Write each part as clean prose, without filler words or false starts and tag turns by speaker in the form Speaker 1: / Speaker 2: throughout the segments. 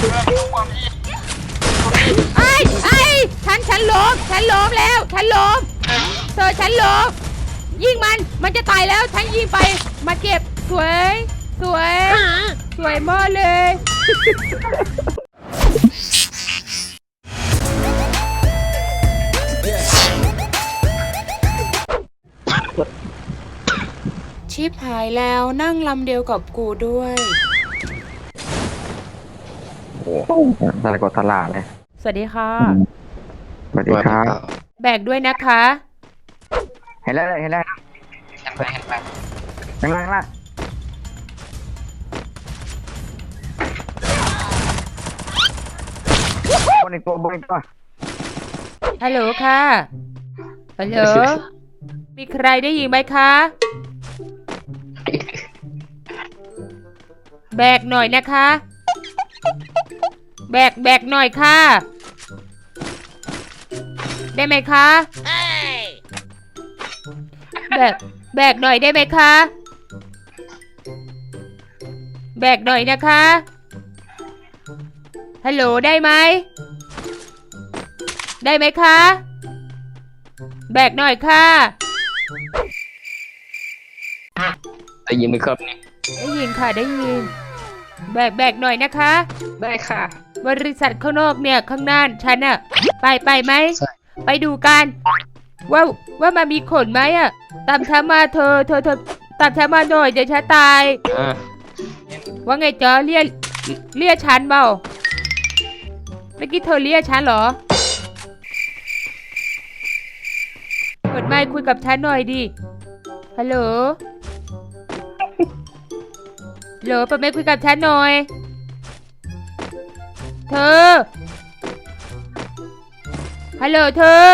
Speaker 1: ไอ้ฉันล้มแล้วฉันล้มเธอฉันล้มยิงมันจะตายแล้วฉันยิงไปมาเก็บสวยมากเลยชิปหายแล้วนั่งลำเดียวกับกูด้วย
Speaker 2: โอ้ตลาดกดตลาดเลย
Speaker 1: สวัสดีค่ะ
Speaker 2: สวัสดีครับ
Speaker 1: แบกด้วยนะคะ
Speaker 2: เห็นแล้วเห็นแล้วบนอีกตัว
Speaker 1: ฮัลโหลค่ะฮัลโหลมีใครได้ยินไหมคะแบกหน่อยนะคะแบกหน่อยค่ะได้ไหมคะแบกหน่อยได้ไหมคะแบกหน่อยนะคะฮัลโหลได้ไหมคะแบกหน่อยค่ะ
Speaker 2: ได้ยินไหมครับนี่
Speaker 1: ได้ยินค่ะได้ยินแบกหน่อยนะคะ
Speaker 2: ได้ค่ะ
Speaker 1: บริษัทข้างนอกเนี่ยข้างหน้าฉันอะไปไหมไปดูกันว่ามันมีขนไหมอะตามฉันมาเธอตามฉันมาหน่อยเดี๋ยวฉันตายว่าไงจ๊ะเรียกฉันเปล่าเมื่อกี้เธอเรียกฉันเหรอเปิดไมค์คุยกับฉันหน่อยดิฮัลโหลเปิดไมค์คุยกับฉันหน่อยเธอฮัลโหลเธอ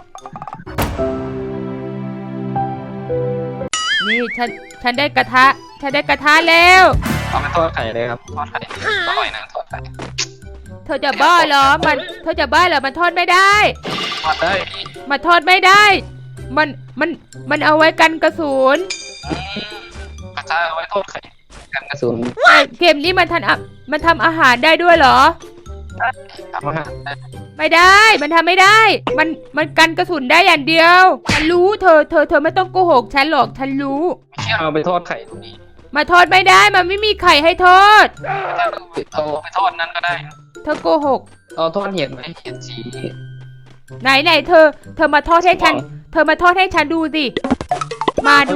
Speaker 1: นี่ฉันได้กระทะแล้ว
Speaker 2: เอาไปทอดไข่เลยครับทอดไข่อร่อยนะทอดไข่
Speaker 1: เธอจะบ้าเหรอมันทอดไม่ได้
Speaker 2: ทอดได้
Speaker 1: มันทอดไม่ได้มันเอาไว้กันกระสุน
Speaker 2: กระทะเอาไว้ทอดไข่กันกระสุน
Speaker 1: เกมนี้มันทำอาหารได้ด้วยเหรอ
Speaker 2: ทำอาหาร
Speaker 1: ไม่ได้มันทำไม่ได้มันกันกระสุนได้อย่างเดียวฉันรู้เธอไม่ต้องโกหกฉันหรอกฉันรู้
Speaker 2: ไม่เชื่อเอาไปทอดไข่ตรงนี้
Speaker 1: มาทอดไม่ได้มันไม่มีไข่ให้ทอด
Speaker 2: เอาไปทอดนั่นก็ได้
Speaker 1: เธอโกหก
Speaker 2: เอาทอดเห็ดไหมเห็ดสี
Speaker 1: ไหนเธอมาทอดให้ฉันดูสิมาดู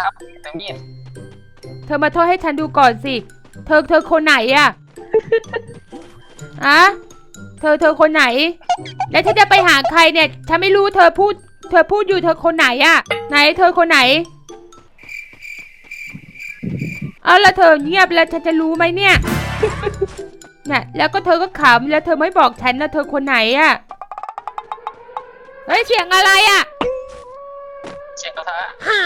Speaker 1: เธอมาทอดให้ฉันดูก่อนสิเธอคนไหนอะเธอคนไหนแล้วฉันจะไปหาใครเนี่ยฉันไม่รู้เธอพูดอยู่เธอคนไหนอะไหนเธอคนไหนเอาแล้วเธอเงียบแล้วฉันจะรู้ไหมเนี่ยน่ะแล้วก็เธอก็ขำแล้วเธอไม่บอกฉันนะเธอคนไหนอะเฮ้ยเสียงอะไรอะ
Speaker 2: เสียงกระทะ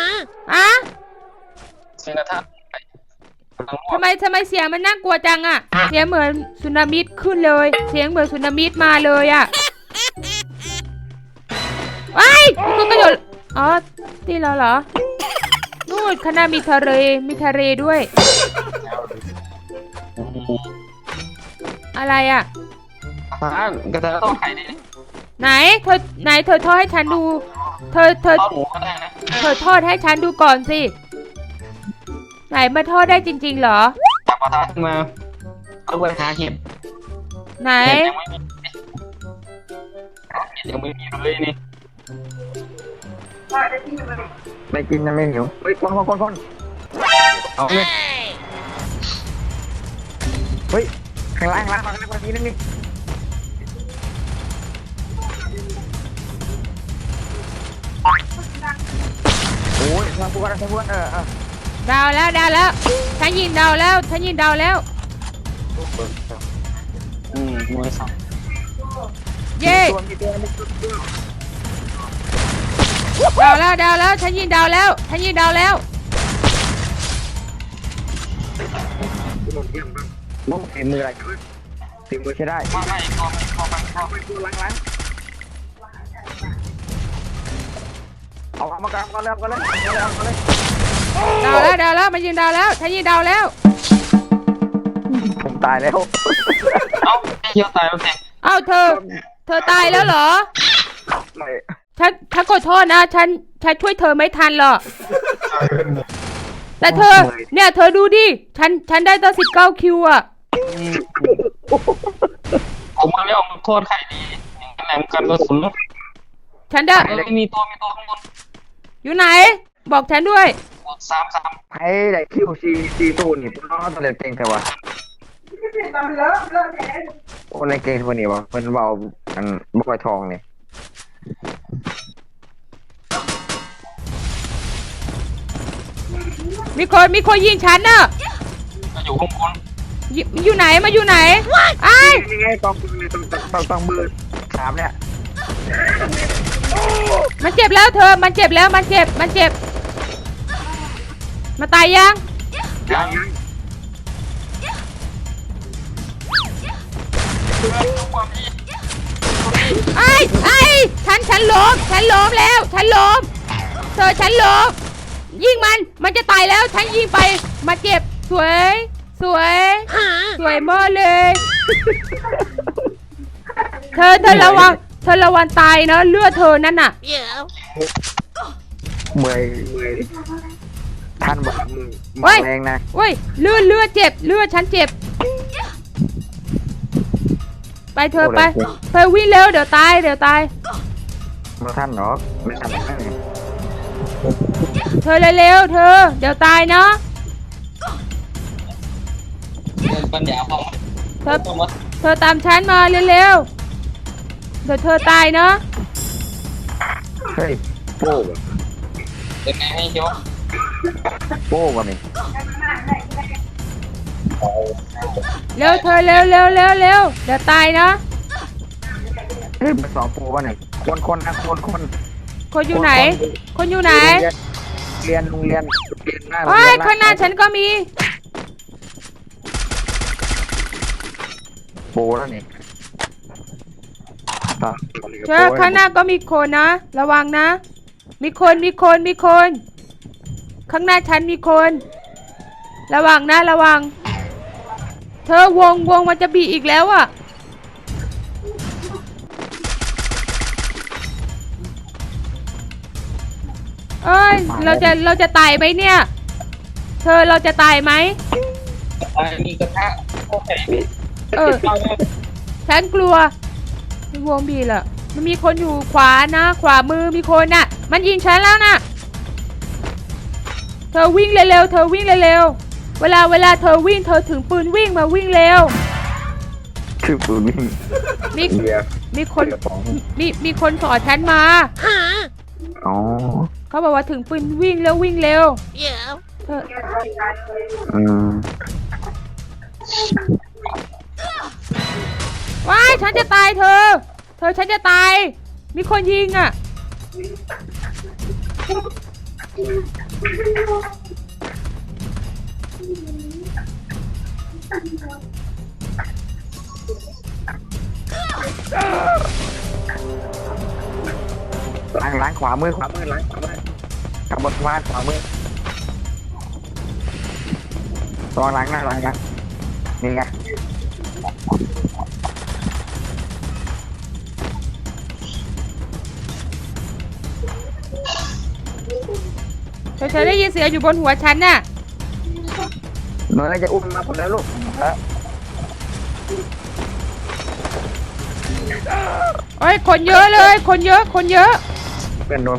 Speaker 2: เสียงกระทะ
Speaker 1: ทำไมเสียงมันน่ากลัวจังอะเสียงเหมือนสึนามิขึ้นเลยเสียงเหมือนสึนามิมาเลยอะว้ายคุณกระโดดอ๋อที่เราเหรอนู่นข้างหน้ามีทะเลด้วยอะไรอะ
Speaker 2: กระทะทอดไข่ดิ
Speaker 1: ไหนเธอทอดให้ฉันดูเธอทอดให้ฉันดูก่อนสิไหนมาทอดได้จริงๆเหรอ
Speaker 2: จับกระทะขึ้นมาเอาไปหาเห็ด
Speaker 1: ไหน
Speaker 2: ยังไม่มีเลยนี่ไม่กินนะไม่หิวเฮ้ยคนเอาเลยเฮ้ยข้างล่างนี้นั่นนี่โอ้ยทำพวก
Speaker 1: ดาวแล้วฉันยิงดาวแล้ว
Speaker 2: มวยสอง
Speaker 1: เย้ดาวแล้วฉันยิงดาวแล้ว
Speaker 2: มุ้งมืออะไรตีมือใช้ได้ไม่ล้างเอามากลางกันเลย
Speaker 1: ดาวแล้วมันยิงดาวแล้วฉันยิงดาวแล้ว
Speaker 2: ผมตายแล้ว
Speaker 3: เอ้าไอ้เหี้ยตายแล้วแก
Speaker 1: เอ้าเธอตายแล้วเหรอ
Speaker 2: ไม่
Speaker 1: ฉันขอโทษนะ ฉันช่วยเธอไม่ทันหรอกแต่เธอ เนี่ยเธอดูดิ ฉันได้ตั้ง19 คิวอ่ะ
Speaker 3: ผมมาไม่ออกมาโทษใครดีอย่างนั้นแหละมันกันกระสุนรถ
Speaker 1: ฉันได้
Speaker 3: มีตัวข้างบน
Speaker 1: อยู่ไหน บอกฉันด้วย
Speaker 3: สาม
Speaker 2: ไอ้ได้คิวซีตูนี่ผมน้องตัวเล็กเก่งแต่ว่าโอ้ในเก่งตัวนี้วะเป็นเบาอันบุกไปทองเนี่ย
Speaker 1: มีคนยิงฉันน่ะ
Speaker 3: ก็อยู่ข้างบน
Speaker 1: อยู่ไหนมาอยู่ไหนไอ้าย
Speaker 2: นี่ไงต้องมือ3เนี่ย
Speaker 1: มันเจ็บแล้วเธอ มันเจ็บแล้ว มันเจ็บ มาตายยัง
Speaker 3: ยัง
Speaker 1: ไอ้ฉันล้มแล้ว ฉันล้มเธอฉันล้มยิงมันจะตายแล้ว ฉันยิงไป มาเจ็บ สวยมากเลย เธอระวังตายนะเลือดเธอนั่นน่ะ
Speaker 2: เมื่อยท่านบอกมือ
Speaker 1: เฮ้ย
Speaker 2: แรงนะ
Speaker 1: เว้ยเลือดเจ็บ เลือดฉันเจ็บ ไปเธอไปเธอวิ่งเร็วเดี๋ยวตาย
Speaker 2: มาท่านหรอไม่ท่านหรอก
Speaker 1: เธอเร็วเธอ เดี๋ยวตายเนาะ
Speaker 3: เดินปัญญาพอ
Speaker 1: เธอตามฉันมาเร็วเดี๋ยวเธอตายเนาะ
Speaker 2: เฮ้ยโป้บ่
Speaker 3: เป็นไงให้ยก
Speaker 2: โป้บ่นี่
Speaker 1: เร็วเธอเร็วเดี๋ยวตายเนาะ
Speaker 2: เฮ้ยเป็น2โป้บ่นี่คนนะคน
Speaker 1: คนอยู่ไหน
Speaker 2: เรียนโรงเรียนหน้าโรง
Speaker 1: โอ้
Speaker 2: เรี
Speaker 1: ย
Speaker 2: ยน
Speaker 1: ข้างหน้าฉันก็มี
Speaker 2: โป้แล้วนี่
Speaker 1: เธอข้างหน้าก็มีคนนะ ระวังนะ มีคน ข้างหน้าฉันมีคน ระวังนะ เธอวงมันจะบีอีกแล้วอ่ะ เอ้ย เราจะตายไหมเนี่ย เธอเราจะตายไหม
Speaker 3: มีกระทะโอเค
Speaker 1: ฉันกลัววงบีล่ะ มันมีคนอยู่ขวานะ ขวามือมีคนน่ะ มันยิงฉันแล้วน่ะ เธอวิ่งเร็วๆเวลาเธอวิ่งเธอถึงปืนวิ่งมาวิ่งเร็ว
Speaker 2: คือปืนวิ่ง
Speaker 1: มีคนสอนฉันมา
Speaker 2: อ๋อ
Speaker 1: เขาบอกว่าถึงปืนวิ่งเร็วเธอ ว้ายฉันจะตายเธอฉันจะตาย มีคนยิงอ่ะ
Speaker 2: ล้างขวามือล้างขวามือขับบนวาดขวามือลองล้างหน้านี่ไง
Speaker 1: เธอได้ยินเสียงอยู่บนหัวฉันน่ะ
Speaker 2: หนูน่าจะอุ้มมาผมแล้วลูก
Speaker 1: โอ้ยคนเยอะเลย คนเยอะ
Speaker 2: เพื่อนโดน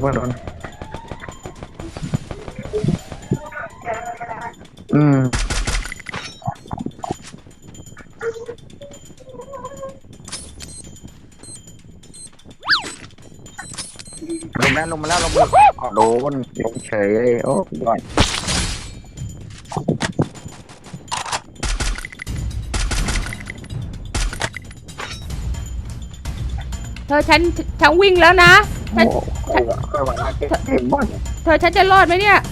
Speaker 2: ลงมาแล้วลงโดนลงเฉยเลยโอ้ย
Speaker 1: เธอฉันวิ่งแล้วนะ ฉันจะรอดไหมเนี่ย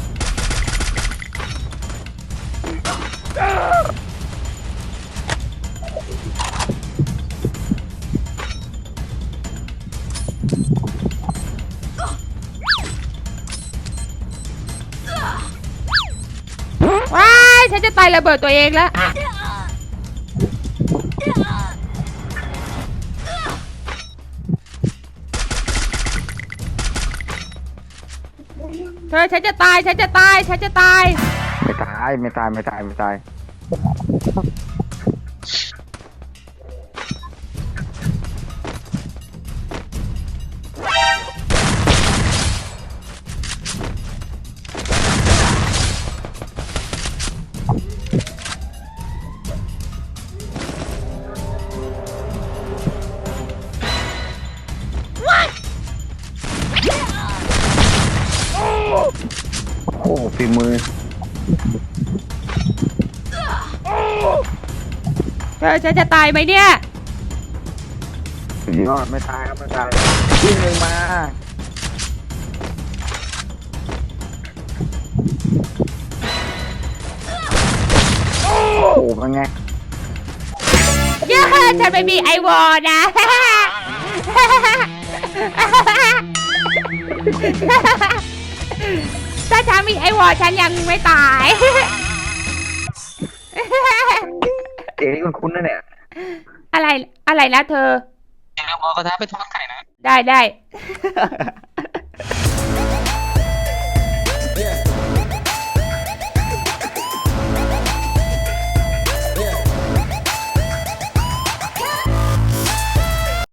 Speaker 1: ว้ายฉันจะตายระเบิดตัวเองแล้วเธอฉันจะตายฉันจะตายฉันจะตาย
Speaker 2: ไม่ตายไม่ตายไม่ตายไม่ตายโอ้ฝีมือ
Speaker 1: เธอฉันจะตายไหมเนี่ย
Speaker 2: สุดยอดไม่ตายครับไม่ตายวิ่งลงมาโอ้โหเป็นไง
Speaker 1: เย้ฉันไม่มีไอวอลนะ ถ้าฉันมีไอวอลฉันยังไม่ตาย
Speaker 2: เอ๋คุณคุ้นๆนะเนี่ย
Speaker 1: อะไรอะไรนะเธอ
Speaker 3: อย่าลืมเอากระทะไปทอดไข่นะ
Speaker 1: ได้ได้